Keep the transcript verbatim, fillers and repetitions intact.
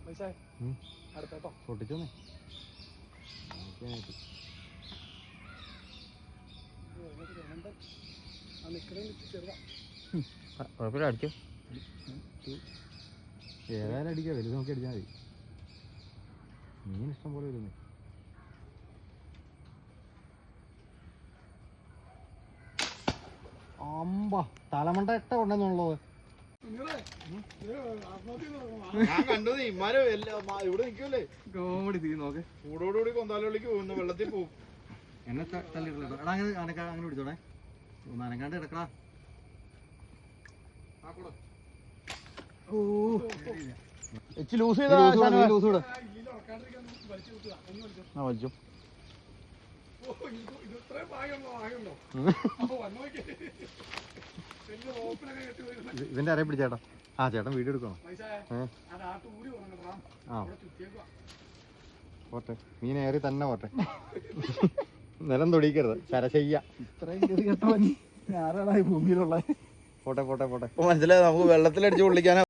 പൊട്ടിച്ചോന്നേ കുഴപ്പമില്ല, അടിച്ചോ. ഏതായാലും അടിക്കാം, വലുത് നോക്കി അടിച്ചാൽ മതി. മീൻ ഇഷ്ടം പോലെ വരുന്നേ. അമ്പ തലമണ്ട എട്ട കൊണ്ടെന്നുള്ളത് ഞാൻ കണ്ടു. ഇമാര് ഇവിടെ നിൽക്കൂലേ കോമഡി തീ നോക്കെ. കൂടോടുകൂടി കൊന്താലോളിക്ക് പോകുന്നു, വെള്ളത്തിൽ പോകും. എന്നെ തള്ളിയിട്ടില്ല. എടാ അങ്ങനെ അനക്കാ അങ്ങനെ പിടിച്ചോണേ, നനക്കാണ്ട് കിടക്കടാ. ലൂസ് ലൂസ് കൂടെ ആ വലിച്ചു. ഇതിന്റെ അരയെ പിടിച്ചേട്ടാ. ആ ചേട്ടൻ വീഡിയോ എടുക്കണം. ആ പോട്ടെ, മീൻ ഏറി തന്നെ പോട്ടെ. നിലം തൊടിക്കരുത്, ശരശയ്യ. ഇത്രയും ഭൂമിയിലുള്ള പോട്ടെ പോട്ടെ പോട്ടെ. മനസ്സിലായി, നമുക്ക് വെള്ളത്തിലടിച്ച് പൊള്ളിക്കാനാ.